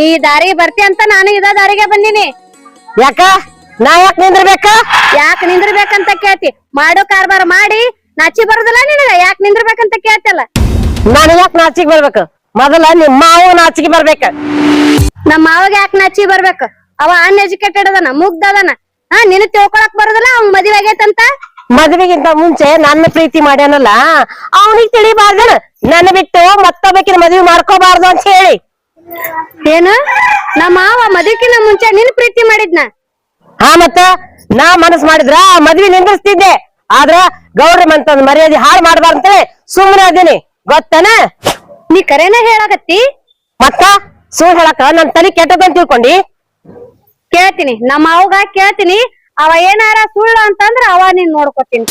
ನೀ ದಾರಿ ಬರ್ತಿ ಅಂತ ನಾನು ಇದ ದಾರಿಗೆ ಬಂದಿನಿ. ಯಾಕ ನಾ ಯಾಕೆ ನಿಂದ್ರಬೇಕ? ಯಾಕೆ ನಿಂದ್ರಬೇಕಂತ ಕೇಳ್ತಿ? ಮಾಡೋ ಕಾರ್ಬಾರ ಮಾಡಿ ನಾಚಿ ಬರುದಿಲ್ಲ ನಿನಗ? ಯಾಕೆ ನಿಂದ್ರಬೇಕಂತ ಕೇಳ್ತಲ್ಲ? ನಾನು ಯಾಕೆ ನಾಚಿಗೆ ಬರ್ಬೇಕು? ಮೊದಲ ನಿಮ್ಮ ಮಾವ ನಾಚಿಗೆ ಬರ್ಬೇಕ. ನಮ್ಮ ಮಾವಾಗ ಯಾಕೆ ನಾಚಿ ಬರ್ಬೇಕು? ಅವ ಅನ್ಎಜುಕೇಟೆಡ್ ಅದನ, ಮುಗ್ಧ ಅದನ. ನಿನ್ ತಿಳ್ಕೊಳಕ್ ಬರುದಿಲ್ಲ ಅವ್ನ್ ಮದ್ವೆ ಆಗೈತಂತ? ಮದ್ವೆಗಿಂತ ಮುಂಚೆ ನನ್ನ ಪ್ರೀತಿ ಮಾಡ್ಯಾನಲ್ಲ, ಅವನಿಗೆ ತಿಳಿಬಾರ್ದೇನ ನನ್ನ ಬಿಟ್ಟು ಮತ್ತೊಬ್ಬಕಿನ ಮದ್ವೆ ಮಾಡ್ಕೋಬಾರ್ದು ಅಂತ ಹೇಳಿ. ಏನು? ನಮ್ಮ ಮಾವ ಮದ್ವಿಕಿನ ಮುಂಚೆ ನಿನ್ ಪ್ರೀತಿ ಮಾಡಿದ್ನ? ಮತ್ತ ನಾ ಮನಸ್ ಮಾಡಿದ್ರ ಮದ್ವಿ ನಿಂದ್ರಿಸ್ತಿದ್ದೆ. ಆದ್ರ ಗೌಡ್ರ ಮಂತಂದ್ ಮರ್ಯಾದೆ ಹಾಳು ಮಾಡ್ಬಾರ್ದಂತ ಸುಮ್ಮನೆ ಅದೀನಿ, ಗೊತ್ತನ? ನೀ ಕರೆನ ಹೇಳಾಕತ್ತಿ? ಮತ್ತ ಸುಳ್ಳು ಹೇಳಕ ನನ್ ತಲೆ ಕೆಟ್ಟದಂತ ತಿಳ್ಕೊಂಡಿ? ಕೇಳ್ತೀನಿ, ನಮ್ಮ ಮಾವಗ ಕೇಳ್ತೀನಿ. ಅವ ಏನಾರ ಸುಳ್ಳು ಅಂತಂದ್ರ ಅವ ನೀನ್ ನೋಡ್ಕೊತೀನಿ.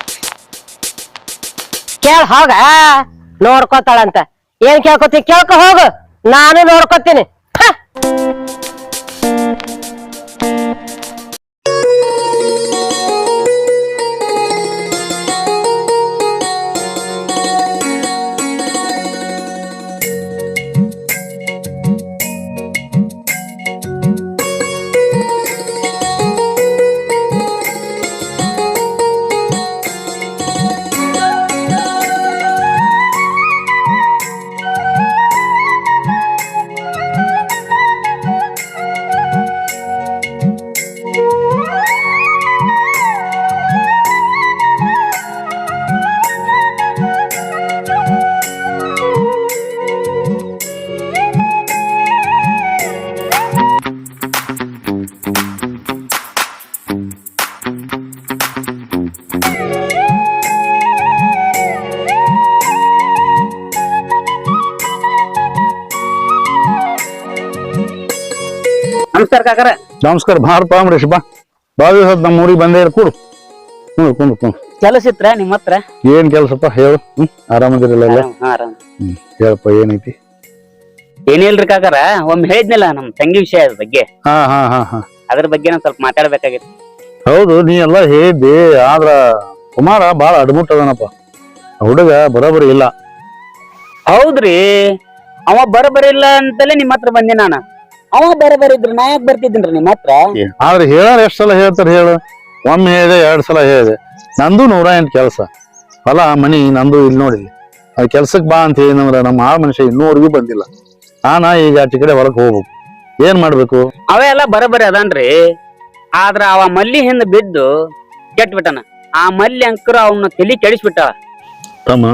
ಕೇಳ ಹೋಗ, ನೋಡ್ಕೋತಾಳಂತ. ಏನ್ ಕೇಳ್ಕೊತಿ ಕೇಳ್ಕೊ ಹೋಗು, ನಾನು ನೋಡ್ಕೋತೀನಿ. ನಮಸ್ಕಾರ ಕಾಕರ. ನಮಸ್ಕಾರ. ಬಾರಪ್ಪ ಅಂಬರೀಷ್, ಬಾ. ಬಾಳ ದಿವಸ ನಮ್ಮ ಊರಿಗೆ ಬಂದೇ ಕೂಡು. ಕುಂಡು. ಕೆಲಸ ಇತ್ರ ನಿಮ್ಮ ಹತ್ರ? ಏನ್ ಕೆಲ್ಸಪ್ಪ ಹೇಳು. ಆರಾಮದಿರಲ್ಲ? ಆರಾಮ್. ಹೇಳಪ್ಪ ಏನೈತಿ? ಏನಿಲ್ರಿ ಕಾಕರ, ಒಮ್ಮೆ ಹೇಳಿದ್ನಲ್ಲ ನಮ್ ತಂಗಿ ವಿಷಯ ಬಗ್ಗೆ. ಹಾ ಅದ್ರ ಬಗ್ಗೆ ನಾವ್ ಸ್ವಲ್ಪ ಮಾತಾಡ್ಬೇಕಾಗಿತ್ತು. ಹೌದು, ನೀ ಎಲ್ಲಾ ಹೇಳಿದ್ದಿ. ಆದ್ರ ಕುಮಾರ ಬಾಳ ಅಡ್ಮುಟ್ ಅದನಪ್ಪ. ಹುಡುಗ ಬರೋಬರಿ ಇಲ್ಲ. ಹೌದ್ರಿ, ಅವ ಬರಬರಿ ಇಲ್ಲ ಅಂತಲೇ ನಿಮ್ ಹತ್ರ ಬಂದೆ ನಾನು. ಅವ ಬರಬರಿ ಇದ್ರು ನಾ ಯಾಕೆ ಬರ್ತಿದ್ದೀನ್ರಿ ನಿಮ್ ಹತ್ರ? ಆದ್ರೆ ಹೇಳಾರ ಎಷ್ಟ್ ಸಲ ಹೇಳ್ತಾರ ಹೇಳು? ಒಮ್ಮೆ ಹೇಳಿದೆ, 2 ಸಲ ಹೇಳಿದೆ. ನಂದು 108 ಕೆಲಸ, ಹೊಲ ಮನಿ ನಂದು ಇಲ್ಲಿ ನೋಡಿದ್ವಿ. ಅದ್ ಕೆಲ್ಸಕ್ ಬಾ ಅಂತ ಹೇಳಿನಂದ್ರ ನಮ್ಮ ಆ ಮನುಷ್ಯ ಇನ್ನೂವರೆಗೂ ಬಂದಿಲ್ಲ. ಈಗ ಆಚೆ ಕಡೆ ಹೊಲಕ್ ಹೋಗ್ಬೇಕು. ಏನ್ ಮಾಡ್ಬೇಕು? ಅವೆಲ್ಲ ಬರಬರಿ ಅದನ್ರಿ. ಆದ್ರ ಅವ ಮಲ್ಲಿ ಹಿಂದ ಬಿದ್ದು ಕೆಟ್ಟ ಬಿಟ್ಟನ. ಆ ಮಲ್ಲಿ ಅಂಕರು ಅವನ್ನ ತಲಿ ಕೆಡಿಸ್ಬಿಟ್ಟ. ತಮ್ಮ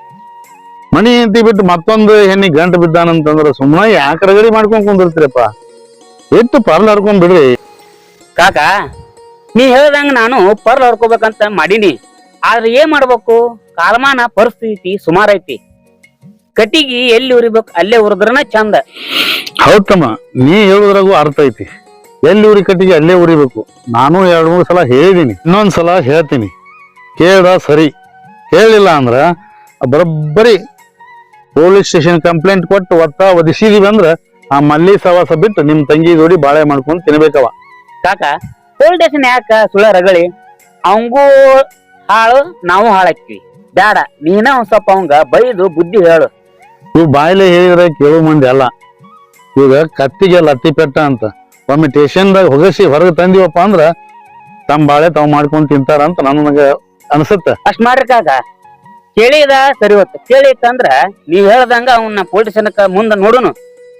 ಮನಿ ಹೆಂಡತಿ ಬಿಟ್ಟು ಮತ್ತೊಂದು ಹೆಣ್ಣಿಗೆ ಗಂಟು ಬಿದ್ದಾನಂತಂದ್ರ ಸುಮ್ಮನೆ ಯಾಕೆ ರಗಡಿ ಮಾಡ್ಕೊಂಡ್ ಕುಂದಿರ್ತೀರಪ್ಪ? ಎಷ್ಟು ಪರ್ಲ್ ಹರ್ಕೊಂಡ್ ಬಿಡ್ರಿ. ಕಾಕ, ನೀ ಹೇಳ್ದಂಗ ನಾನು ಪರ್ಲ್ ಹೊಡ್ಕೋಬೇಕಂತ ಮಾಡೀನಿ. ಆದ್ರೆ ಏನ್ ಮಾಡ್ಬೇಕು? ಕಾಲಮಾನ ಪರಿಸ್ಥಿತಿ ಸುಮಾರು ಐತಿ. ಕಟಿಗಿ ಎಲ್ಲಿ ಉರಿಬೇಕು ಅಲ್ಲೇ ಉರಿದ್ರನ ಚಂದ. ಹೌದಮ್ಮ, ನೀ ಹೇಳುದ್ರಾಗೂ ಅರ್ಥ ಐತಿ. ಎಲ್ಲಿ ಉರಿ ಕಟ್ಟಿಗೆ ಅಲ್ಲೇ ಉರಿಬೇಕು. ನಾನು 2-3 ಸಲ ಹೇಳಿದೀನಿ, ಇನ್ನೊಂದ್ಸಲ ಹೇಳ್ತೀನಿ. ಕೇಳ ಸರಿ, ಹೇಳಿಲ್ಲ ಅಂದ್ರ ಬರೋಬ್ಬರಿ ಪೊಲೀಸ್ ಸ್ಟೇಷನ್ ಕಂಪ್ಲೇಂಟ್ ಕೊಟ್ಟು ಒದಿಸಿದೀವಿ ಅಂದ್ರ ಆ ಮಲ್ಲಿ ಸವಾಸ ಬಿಟ್ಟು ನಿಮ್ ತಂಗಿ ಜೋಡಿ ಬಾಳೆ ಮಾಡ್ಕೊಂಡ್ ತಿನ್ಬೇಕವ. ಕಾಕ, ಪೊಲೀಸ್ ಸ್ಟೇಷನ್ ಯಾಕ ಸುಳ್ಳ ರಗಳಿ? ಅವಂಗೂ ಹಾಳು, ನಾವು ಹಾಳಾಕ್ತಿವಿ. ಬ್ಯಾಡ, ನೀನ ಒಂದ್ ಸ್ವಲ್ಪ ಅವಂಗ ಬೈದು ಬುದ್ಧಿ ಹೇಳು. ಇವ್ ಬಾಯ್ಲೆ ಹೇಳಿದ್ರೆ ಕೇಳೋ ಮಂದಿ ಅಲ್ಲ. ಈಗ ಕತ್ತಿಗೆ ಲತ್ತಿ ಪೆಟ್ಟ ಅಂತ ಒಮ್ಮೆ ಸ್ಟೇಷನ್ದಾಗ ಹೊಗಸಿ ಹೊರಗೆ ತಂದಿವಪ್ಪ ಅಂದ್ರ ತಮ್ಮ ಬಾಳೆ ತಾವ್ ಮಾಡ್ಕೊಂಡ್ ತಿಂತಾರ ಅಂತ ನನಗ ಅನ್ಸುತ್ತ. ಅಷ್ಟ್ ಮಾಡ್ರಿ ಕಾಕ. ಕೇಳಿದ ಸರಿ ಹೊತ್ತು, ಕೇಳಿತ್ತಂದ್ರ ನೀವ್ ಹೇಳ್ದಂಗ ಅವನ್ನ ಪೊಲೀಸ್ ಸ್ಟೇಷನ್ಕ ಮುಂದ ನೋಡುನು.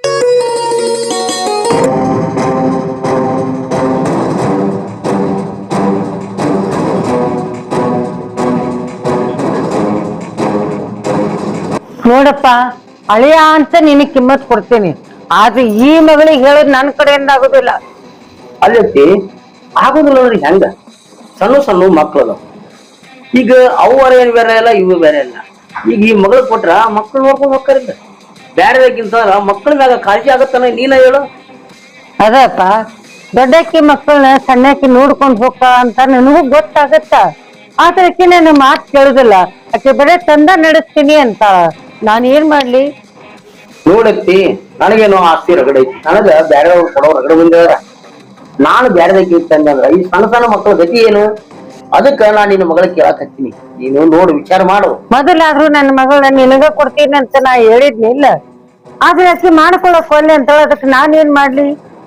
ನೋಡಪ್ಪ, ಅಳಿಯ ಅಂತ ನಿನಗ್ ಕಿಮ್ಮತ್ ಕೊಡ್ತೀನಿ. ಆದ್ರೆ ಈ ಮಗಳಿಗೆ ಹೇಳೋದ್ ನನ್ ಕಡೆಯಿಂದ ಆಗುದಿಲ್ಲ. ಅಲ್ಲೈತಿ ಆಗುದಿಲ್ಲ ಅಂದ್ರೆ ಹೆಂಗ? ಸಣ್ಣ ಮಕ್ಕಳು ಈಗ ಅವ್ವರ ಏನ್ ಬೇರೆ ಇಲ್ಲ, ಇವು ಬೇರೆ ಇಲ್ಲ. ಈಗ ಈ ಮಗಳು ಕೊಟ್ರ ಮಕ್ಕಳು ನೋಡ್ಕೊಂಡ್ ಹೋಗ್ತಾರಿಲ್ಲ. ಬ್ಯಾಡದಕ್ಕಿಂತ ಮಕ್ಕಳ ಮ್ಯಾಗ ಕಾಳಜಿ ಆಗತ್ತಾನ, ನೀನ ಹೇಳು. ಅದಪ್ಪ, ದೊಡ್ಡಕ್ಕಿ ಮಕ್ಕಳನ್ನ ಸಣ್ಣಕ್ಕಿ ನೋಡ್ಕೊಂಡ್ ಹೋಗ ಅಂತ ನನಗೂ ಗೊತ್ತಾಗತ್ತ. ಆದ್ರೆ ಆಕಿ ನನ್ನ ಮಾತು ಕೇಳುದಿಲ್ಲ. ಆಕೆ ಬರೇ ತಂದ ನಡೆಸ್ತೀನಿ ಅಂತ. ನಾನ್ ಏನ್ ಮಾಡ್ಲಿ? ನೋಡತ್ತಿ, ನನಗೇನೋ ಆಸ್ತಿ ರಗಡೆ ಐತಿ. ನನಗ ಬ್ಯಾರೆ ಕೊಡೋ ರಗಡೆ ಮುಂದೆ ನಾನು ಬ್ಯಾರದಕ್ಕಿ ಇತ್ತಂದ್ರ ಈ ಸಣ್ಣ ಮಕ್ಕಳ ಗತಿ ಏನು? ಅದಕ್ಕ ನಾನ್ ನಿನ್ನ ಮಗಳ ಕೇಳಕ್ ಹತ್ತೀನಿ. ನೀನು ನೋಡಿ ವಿಚಾರ ಮಾಡು. ಮೊದಲಾದ್ರೂ ನನ್ನ ಮಗಳ ನಿನಗ ಕೊಡ್ತೀನಿ ಅಂತ ನಾ ಹೇಳಿದ್ನಿಲ್ಲ. ಆದ್ರೆ ಆಕಿ ಮಾಡ್ಕೊಳಕ್ ಒಲ್ಲೆ ಅಂತ ಅದಕ್ಕೆ ನಾನೇನ್ ಮಾಡ್ಲಿ?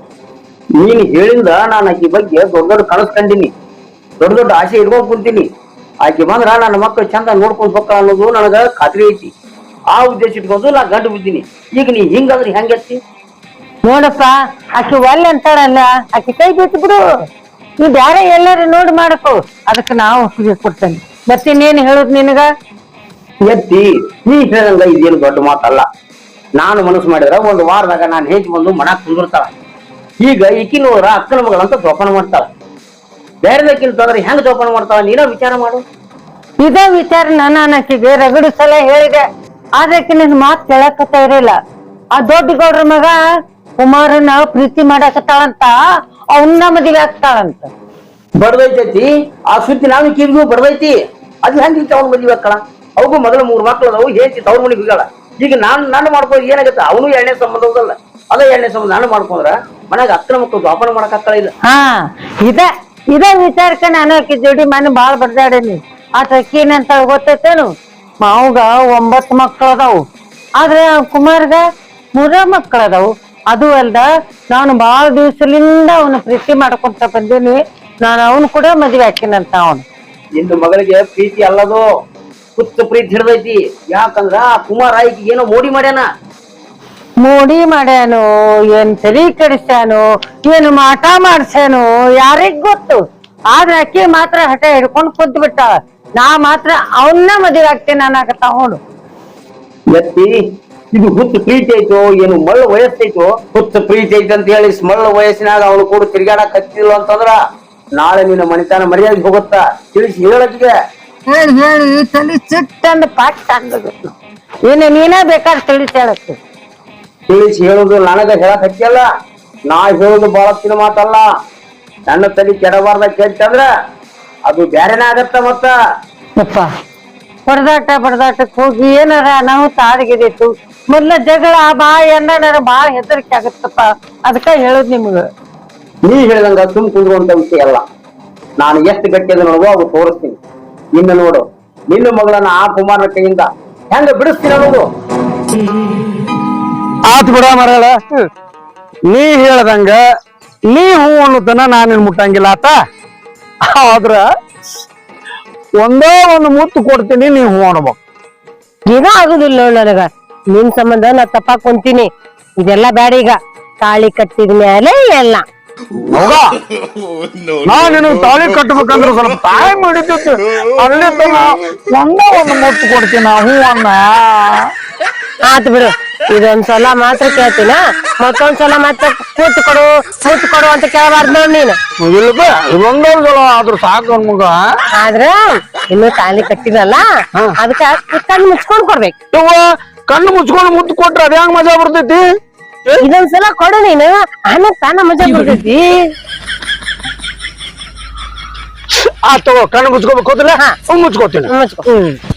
ನೀನ್ ಹೇಳಿಂದ ನಾನು ಆಕಿ ಬಗ್ಗೆ ದೊಡ್ಡ ದೊಡ್ಡ ಕನಸು ಕಂಡಿನಿ, ದೊಡ್ಡ ದೊಡ್ಡ ಆಸೆ ಇಟ್ಕೊಂಡ್ ಕುಂತೀನಿ. ಆಕಿ ಬಂದ್ರ ನನ್ನ ಮಕ್ಕಳು ಚಂದ ನೋಡ್ಕೊಂಡ್ ಹೋಗ್ತಾಳ ಅನ್ನೋದು ನನಗ ಖಾತ್ರಿ ಐತಿ. ಆ ಉದ್ದೇಶ ಇಟ್ಕೊಂಡು ನಾ ಗಂಟು ಬಿದ್ದೀನಿ. ಈಗ ನೀ ಹಿಂಗಂದ್ರೆ ಹೆಂಗೈತಿ? ನೋಡಪ್ಪ, ಆಕಿ ಒಲ್ಲೆ ಅಂತಾಳಲ್ಲ, ಆಕಿ ಕೈ ಬಿಟ್ಟು ಬಿಡು. ನೀ ಬ್ಯಾರೆ ಎಲ್ಲಾರು ನೋಡಿ ಮಾಡಕೋ, ಅದಕ್ಕೆ ನಾವು ಒಪ್ಪಿಗೆ ಕೊಡ್ತೇನೆ. ಮತ್ತಿನ್ನೇನು ಹೇಳುದು ನಿನಗ? ಎತ್ತಿ ನೀ ಹೇಳ್ದಂಗ ಇದೇನು ದೊಡ್ಡ ಮಾತಲ್ಲ. ನಾನು ಮನಸ್ಸು ಮಾಡಿದ್ರ ಒಂದು ವಾರದಾಗ ನಾನು ಹೇಗೆ ಬಂದು ಮನಾಕ್ ಕುಂದಿರ್ತಾಳ. ಈಗ ಈಕಿ ನೋಡ್ರ ಅಕ್ಕನ ಮಗಳಂತ ಜೋಪಾನ ಮಾಡ್ತಾಳ. ಬೇರೆದಕ್ಕಿಂತ ಅಂದ್ರೆ ಹೆಂಗ್ ಜೋಪಾನ ಮಾಡ್ತಾಳ ನೀನ ವಿಚಾರ ಮಾಡು. ಇದೇ ವಿಚಾರ ನಾನು ಆಕಿಗೆ ರಗಡು ಸಲ ಹೇಳಿದೆ, ಆದ್ರೆ ಆಕಿ ನಿನ್ ಮಾತು ಕೇಳಕತ್ತ ಇರಲಿಲ್ಲ. ಆ ದೊಡ್ಡ ಗೌಡ್ರ ಮಗ ಕುಮಾರನ ಪ್ರೀತಿ ಮಾಡಕತ್ತಾಳಂತ, ಅವನ್ನ ಮದುವೆ ಆಗ್ತಾಳಂತ. ಬಡ್ದೈತೈತಿ ಆ ಸುದ್ದಿ ನಾನು ಕಿವಿಗೂ ಬಡ್ದೈತಿ. ಅದು ಹೆಂಗಿತ್ತು ಅವ್ನ ಮದುವೆ ಹಾಕಳ? ಅವಗೂ ಮೊದಲು 3 ಮಕ್ಳು ಅದಾವು, ಹೇಳ್ತಿ ತವ್ರ ಮನೆಗೆ ಹೋಗ್ಯಾಳ. ಈಗ ನಾನು ಮಾಡ್ಕೊಂಡು ಏನಾಗತ್ತ? ಅವನು 2ನೇ ಸಂಬಂಧ ಹೋಗಲ್ಲ, ಅದೇ 2ನೇ ಸಂಬಂಧ ನಾನು ಮಾಡ್ಕೊಂಡ್ರ ಮನ್ಯಾಗ ಅಕ್ಕನ ಮಕ್ಕಳು ಜೋಪಾನ ಮಾಡಕ್ ಆಗ್ತಾಳ ಇಲ್ಲ. ಹಾ, ಇದೇ ವಿಚಾರಕ್ಕೆ ನಾನು ಆಕಿ ಜೋಡಿ ಮನೆ ಬಾಳ್ ಬಡ್ದಾಡೇನಿ. ಆತ ಅಕ್ಕಿ ಏನಂತ ಗೊತ್ತೈತೇನು? ಮಾವುಗ 9 ಮಕ್ಳು ಅದಾವು, ಆದ್ರೆ ಕುಮಾರ್ಗ 3 ಮಕ್ಳು ಅದಾವು. ಅದು ಅಲ್ದ ನಾನು ಬಾಳ ದಿವ್ಸಲಿಂದ ಅವನ ಪ್ರೀತಿ ಮಾಡ್ಕೊಂತ ಬಂದೀನಿ. ನಾನು ಅವನು ಕೂಡ ಮದ್ವೆ ಹಾಕಿನಂತ. ಅವನು ನಿನ್ನ ಮಗಳಿಗೆ ಪ್ರೀತಿ ಅಲ್ಲದು, ಹುಚ್ಚ ಪ್ರೀತಿ ಹಿಡ್ದೈತಿ. ಯಾಕಂದ್ರ ಆ ಕುಮಾರ ಆಯ್ಕೆ ಏನೋ ಮೋಡಿ ಮಾಡ್ಯಾನ. ಮೋಡಿ ಮಾಡ್ಯಾನು, ಏನ್ ತಲಿ ಕೆಡಿಸ್ಯಾನು, ಏನು ಮಾಟ ಮಾಡ್ಸ್ಯಾನು, ಯಾರಿಗ್ ಗೊತ್ತು. ಆದ್ರೆ ಅಕ್ಕಿ ಮಾತ್ರ ಹಠ ಹಿಡ್ಕೊಂಡು ಕುಂತ್ ಬಿಟ್ಟಾಳ. ನಾ ಮಾತ್ರ ಅವನ್ನ ಮದುವೆ ಆಗ್ತೇನೆ ಅನ್ನಕತ್ತ. ಅವನು ಎತ್ತಿ ಇದು ಹುಚ್ಚ ಪ್ರೀತಿ ಐತೋ ಏನು ಮಳ್ಳ ವಯಸ್ಸೈತೋ? ಹುಚ್ಚ ಪ್ರೀತಿ ಐತಿ ಅಂತ ಹೇಳಿ ಮಳ್ಳ ವಯಸ್ಸಿನಾಗ ಅವನು ಕೂಡ ತಿರ್ಗಾಡಕ್ ಹತ್ತಿಲ್ಲ ಅಂತಂದ್ರ ನಾಳೆ ನಿನ್ನ ಮನಿತನ ಮರ್ಯಾದೆ ಹೋಗುತ್ತಾ? ತಿಳಿಸಿ ಹೇಳಕ್ಕಿಗೆ. ಹೇಳಿ ತಲಿ ಸಿಟ್ಟಂದು ಪಾಠ ಅಂದದ್ದು. ನೀನೇ ಬೇಕಾದ್ರೆ ತಿಳಿಸಿ ಹೇಳಕ್ಕೆ. ತಿಳಿಸಿ ಹೇಳುದು ನನಗ ಹೇಳಕ್ ಹತ್ತಿಯಲ್ಲ. ನಾ ಹೇಳುದು ಬಹಳ ತಿನ್ನ ಮಾತಲ್ಲ. ನನ್ನ ತಲೆ ಕೆಡಬಾರ್ದ ಕೇಳ್ತಂದ್ರ ಅದು ಬ್ಯಾರೆನ ಆಗತ್ತ. ಮತ್ತ ಯಪ್ಪ, ಬಡದಾಟಕ್ಕೆ ಹೋಗಿ ಏನಾರ ನಾವು ತಾಡಿಗಿದಿತ್ತು. ಮೊದ್ಲ ಜಗಳ ಏನಾರ ಬಾಳ ಹೆದರಿಕೆ ಆಗತ್ತಪ್ಪ. ಅದಕ್ಕ ಹೇಳುದ್ ನಿಮ್ಗ. ನೀ ಹೇಳಿದಂಗ ಸುಮ್ ಕುಂದ್ರುವಂತ ವಿಷಯ ಅಲ್ಲ. ನಾನು ಎಷ್ಟು ಗಟ್ಟಿ ಅದ ನೋಡುವ ಅವು ತೋರಿಸ್ತೀನಿ. ನಿನ್ನ ನೋಡು, ನಿನ್ನ ಮಗಳನ್ನ ಆ ಕುಮಾರನ ಕೈಯಿಂದ ಹೆಂಗ ಬಿಡಿಸ್ತೀನಿ ಅನ್ನೋದು. ಆತ್ ಬಿಡ ಮರಳ, ನೀ ಹೇಳ್ದಂಗ ನೀ ಹೂ ಅನ್ನೋದನ್ನ ನಾನೇನ್ ಮುಟ್ಟಂಗಿಲ್ಲ ಆತ. ಆದ್ರ ಒಂದೇ ಒಂದು ಮುತ್ತು ಕೊಡ್ತೀನಿ, ನೀ ಹೂ ಅನ್ಬೇಕು. ಏನೂ ಆಗುದಿಲ್ಲ ನನಗ. ನಿನ್ ಸಂಬಂಧ ನಾ ತಪ್ಪಾಕ್ ಕುಂತೀನಿ. ಇದೆಲ್ಲ ಬ್ಯಾಡ. ಈಗ ತಾಳಿ ಕಟ್ಟಿದ ಮೇಲೆ ಎಲ್ಲ ಹೌದಾ? ನಾ ನಿನಗ್ ತಾಳಿ ಕಟ್ಟಬೇಕಂದ್ರೆ ಸ್ವಲ್ಪ ಟೈಮ್ ಹಿಡಿತೈತಿ. ಅಲ್ಲಿ ತನ ಒಂದೇ ಒಂದು ಮುತ್ತು ಕೊಡ್ತೀನಿ, ಹೂ ಅನ್ನ. ಆತ್ ಬಿಡು, ಇದೊಂದ್ಸಲ ಮಾತ್ರ ಕೇಳ್ತೀನ. ಮತ್ತೊಂದ್ಸಲ ಮತ್ತೆ ಮುತ್ತು ಕೊಡು ಅಂತ ಕೇಳಬಾರ್ದು ನೋಡ್ ನೀನು. ಇಲ್ಪ ಇದೊಂದೊಂದ್ ಸಲ ಆದ್ರೂ ಸಾಕು ಮಗ. ಆದ್ರ ಇನ್ನು ತಾಳಿ ಕಟ್ಟಿದಲ್ಲ, ಅದಕ್ಕ ಕಣ್ಣು ಮುಚ್ಕೊಂಡ್ ಕೊಡ್ಬೇಕು. ಕಣ್ಣು ಮುಚ್ಕೊಂಡು ಮುತ್ತು ಕೊಟ್ರೆ ಅದ ಹೆಂಗ್ ಮಜಾ ಬರ್ತೈತಿ? ಇದೊಂದ್ಸಲ ಕೊಡು ನೀನು, ಆಮೇಲೆ ತಾನ ಮಜಾ ಬರ್ತೈತಿ. ಆ ತಗೋ, ಕಣ್ಣು ಮುಚ್ಕೋಬೇಕು ಹೋದಿಲ್ಲ, ಮುಚ್ಕೋತೀನಿ. ಮುಚ್ಕೊ.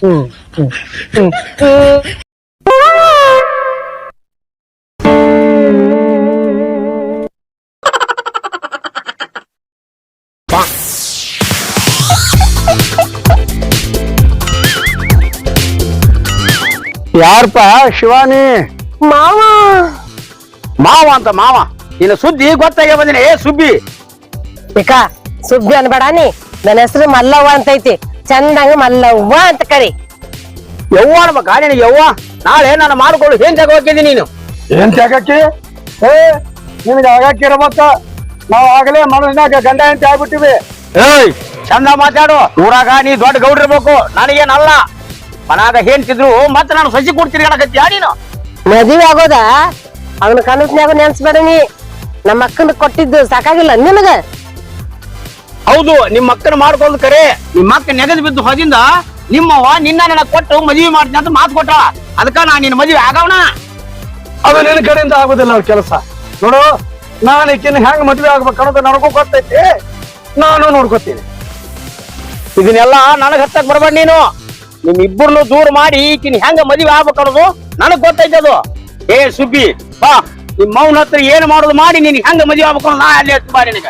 ಯಾರಪ್ಪ ಶಿವಾನಿ? ಮಾವ ಮಾವ ಅಂತ ಮಾವ. ನಿನ್ನ ಸುದ್ದಿ ಗೊತ್ತಾಗೆ ಬಂದಿನ. ಏ ಸುಬ್ಬಿ, ಬೇಕಾ ಸುಬ್ಬಿ ಅನ್ಬೇಡ ನೀ. ನನ್ನ ಹೆಸರು ಮಲ್ಲವ್ವ ಅಂತೈತಿ. ಚಂದಂಗ ಮಲ್ಲವ್ವ ಅಂತ ಕರಿ. ಯವ್ವ ಅನ್ಬೇಕಾ ನಿನಗೆ? ಯವ್ವ ನಾಳೆ ನಾನು ಮಾಡ್ಕೊಳ್ಳು ಏನ್ ಜಾಗ ಹೋಗಿದ್ದೀನಿ ನೀನು? ಏನ್ ಜಾಗಕ್ಕೆ? ನಿನಗೆ ಆಗಾಕಿರಬೇಕ. ನಾವ್ ಆಗಲೇ ಮನಸ್ಸಿನಾಗ ಗಂಡ ಅಂತ ಆಗ್ಬಿಟ್ಟಿವಿ. ಏಯ್ ಚಂದ ಮಾತಾಡು. ಊರಾಗ ನೀ ದೊಡ್ಡ ಗೌಡ್ರಿರ್ಬೇಕು, ನನಗೇನಲ್ಲ. ಮನಾಗ ಹೇಳ್ತಿದ್ರು ಮತ್ತೆ ನಾನು ಸಸಿ ಕೊಡ್ತೀನಿ ಅನ್ನಕತ್ತಿ ನೀನು. ಮದುವೆ ಆಗೋದ ಅವನ ಕನಸ್ನ್ಯಾಗ ನೆನ್ಸ್ಬೇಡ ನೀ. ನಮ್ಮ ಅಕ್ಕನ ಕೊಟ್ಟಿದ್ದು ಸಾಕಾಗಿಲ್ಲ ನಿನಗ? ಹೌದು, ನಿಮ್ಮ ಅಕ್ಕನ ಮಾಡ್ಕೊಂಡು ಕರೆ. ನಿಮ್ಮ ಅಕ್ಕ ನೆಗದು ಬಿದ್ದು ಹೋದಿಂದ ನಿಮ್ಮವ್ವ ನಿನ್ನ ನನಗೆ ಕೊಟ್ಟು ಮದುವೆ ಮಾಡ್ತೀನಿ ಅಂತ ಮಾತು ಕೊಟ್ಟ. ಅದಕ್ಕ ನಾ ನಿನ್ನ ಮದುವೆ ಆಗವನ. ಅದು ನಿನ್ನ ಕಡೆಯಿಂದ ಆಗೋದಿಲ್ಲ ಅವ್ರ ಕೆಲಸ. ನೋಡು, ನಾನು ಈಕಿನ ಹೆಂಗ್ ಮದ್ವೆ ಆಗ್ಬೇಕು ಅನ್ನೋದು ನನಗೂ ಗೊತ್ತೈತಿ. ನಾನು ನೋಡ್ಕೊತೀನಿ. ಇದನ್ನೆಲ್ಲ ನನಗ್ ಹತ್ತಕ್ ಬರ್ಬೇಡ ನೀನು. ನಿಮ್ ಇಬ್ಬರನ್ನು ದೂರ ಮಾಡಿ ಈಕಿನ ಹೆಂಗ ಮದುವೆ ಆಗ್ಬೇಕು ಅನ್ನೋದು ನನಗ್ ಗೊತ್ತೈತೆ. ಅದು ಏ ಸುಬ್ಬಿ ಬಾ, ನಿಮ್ ಮೌನ ಹತ್ರ ಏನ್ ಮಾಡೋದು ಮಾಡಿ ನೀನ್ ಹೆಂಗ ಮದುವೆ ಆಗ್ಬೇಕು ಅನ್ನೋದು ನಾ ಅಲ್ಲಿ ಹತ್ತು ಬಾ ನಿನಗ.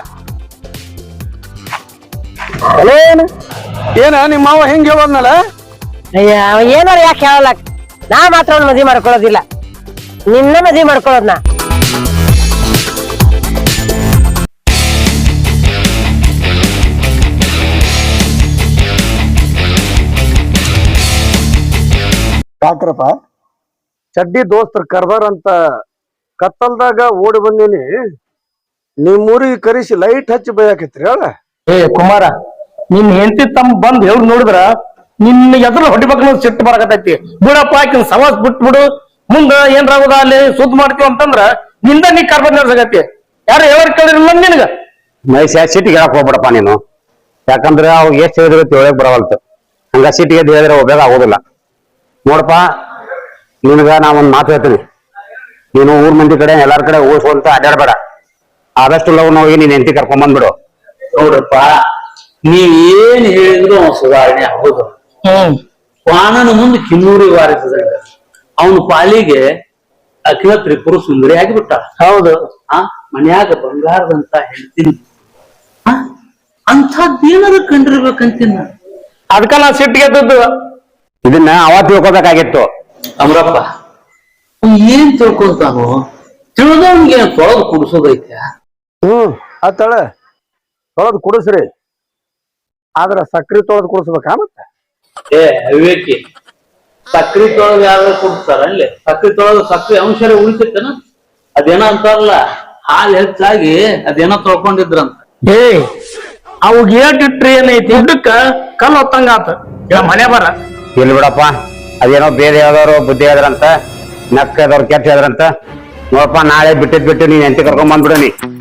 ಏನ ನಿಮ್ಮ ಮಾವ ಹೆಂಗ್ ಹೇಳೋದ್ನಲ್ಲ? ಅಯ್ಯ, ಏನಾರ ಯಾಕೆ ಹೇಳಲ್ಲ. ನಾ ಮಾತ್ರ ಅವ್ನ ಮದ್ವೆ ಮಾಡ್ಕೊಳ್ಳೋದಿಲ್ಲ. ನಿನ್ನ ಮದ್ವಿ ಮಾಡ್ಕೊಳ್ಳೋದ್ನ. ಡಾಕ್ಟ್ರಪ್ಪ ಚಡ್ಡಿ ದೋಸ್ತರು ಕರ್ದಾರಂತ ಕತ್ತಲ್ದಾಗ ಓಡಿ ಬಂದೀನಿ. ನಿಮ್ಮೂರಿಗೆ ಕರೆಸಿ ಲೈಟ್ ಹಚ್ಚಿ ಬೈಯಾಕೈತ್ರಿ ಹೇಳ. ಏ ಕುಮಾರ, ನಿನ್ ಹೆಂಡತಿ ತಮ್ಮ ಬಂದ್ ಹೇಳಿ ನೋಡಿದ್ರ ನಿನ್ನ ಎದುರು ಹೊಡಿಬೇಕು ಸಿಟ್ಟು ಬರಕತೈತಿ. ಬಿಡಪ್ಪ ಆಕಿನ ಸವಾಸ್ ಬಿಟ್ಬಿಡು, ಮುಂದ ಏನ್ರಾಗುದ ಅಲ್ಲಿ ಸುದ್ದಿ ಮಾಡ್ತೀವಿ ಅಂತಂದ್ರ ನಿಂದ ನೀ ಕರ್ಬಂದ್ ನಡ್ಸಕತಿ. ಯಾರು ಹೇಳೋರ್ ಕೇಳಿರಲ್ಲ ನಿನಗ. ಮೈಸ್ ಸಿಟಿಗೆ ಹೇಳಕ್ ಹೋಗ್ಬಿಡಪ್ಪ ನೀನು. ಯಾಕಂದ್ರೆ ಅವಾಗ ಎಷ್ಟು ಹೇಳಿದ್ರೆ ತಿಳಕ್ ಬರವಲ್ತು. ಹಂಗ ಸಿಟಿಗೆ ಹೇಳಿದ್ರೆ ಉಪಯೋಗ ಆಗೋದಿಲ್ಲ. ನೋಡಪ್ಪ, ನಿನಗ ನಾ ಒಂದ್ ಮಾತು ಹೇಳ್ತೀನಿ. ನೀನು ಊರ್ ಮಂದಿ ಕಡೆ ಎಲ್ಲಾರ ಕಡೆ ಹೋಗ್ಸೋಂತ ಅಡ್ಡಾಡ್ಬೇಡ. ಆದಷ್ಟು ಲವ್ ಹೋಗಿ ನೀನ್ ಹೆಂಡತಿ ಕರ್ಕೊಂಡ್ ಬಂದ್ಬಿಡು. ನೋಡ್ರಪ್ಪ, ನೀವ್ ಏನ್ ಹೇಳಿದ್ರು ಅವ ಸುಧಾರಣೆ ಹೌದು. ವಾಣನ ಮುಂದೆ ಕಿನ್ನೂರಿ ವಾರಿಸಿದಾಗ ಅವನ ಪಾಲಿಗೆ ಅಖಿಲ ತ್ರಿಪುರ ಸುಂದರಿ ಆಗಿಬಿಟ್ಟ. ಹೌದು. ಮನ್ಯಾಗ ಬಂಗಾರದಂತ ಹೇಳ್ತೀನಿ. ಅಂಥದ್ದೇನಾದ್ರು ಕಂಡಿರ್ಬೇಕಂತೀನಿ. ಅದಕ್ಕ ನಾ ಸಿಟ್ಟಿಗೆ ಎದ್ದದ್ದು. ಇದನ್ನ ಅವತ್ತು ತಿಳ್ಕೊಬೇಕಾಗಿತ್ತು. ಅಮ್ರಪ್ಪ, ಏನ್ ತಿಳ್ಕೊಂತಾನು? ತಿಳಿದವನ್ಗೆ ತೊಳೆದು ಕುಡಿಸೋದೈತೆ. ಆತಳ ತೊಳೆದು ಕುಡಿಸ್ರಿ, ಆದ್ರ ಸಕ್ರಿ ತೊಳೆದು ಕುಡಿಸ್ಬೇಕಾ ಮತ್ತೆ? ಏ ವಿವೇಕಿ, ಸಕ್ರಿ ತೊಳೆದು ಯಾರು ಕುಡಿಸ್ತಾರ? ಅಲ್ಲಿ ಸಕ್ರಿ ತೊಳೆದು ಸಕ್ರಿ ಅಂಶ ಉಳಿತೈತೇನ? ಅದೇನೋ ಅಂತಾರಲ್ಲ, ಹಾಲು ಹೆಚ್ಚಾಗಿ ಅದೇನೋ ತೊಳ್ಕೊಂಡಿದ್ರಂತ. ಏ ಅವಾಗ ಏಟಿಟ್ರಿ ಏನೈತಿ, ದುಡ್ಡಕ್ಕ ಕಲ್ಲು ಹೊತ್ತಂಗ ಆತ. ಮನೆ ಬರ ಇಲ್ಲಿ ಬಿಡಪ್ಪ, ಅದೇನೋ ಬೇರೆ ಯಾವ್ದಾರು ಬುದ್ಧಿ ಹೇಳಿದ್ರಂತ, ನಕ್ಕದವ್ರು ಕೆಟ್ಟ ಹೇಳಿದ್ರಂತ. ನೋಡಪ್ಪ, ನಾಳೆ ಬಿಟ್ಟಿದ್ ಬಿಟ್ಟು ನೀನ್ ಹೆಂಡತಿ ಕರ್ಕೊಂಡ್ ಬಂದ್ಬಿಡು ನೀ.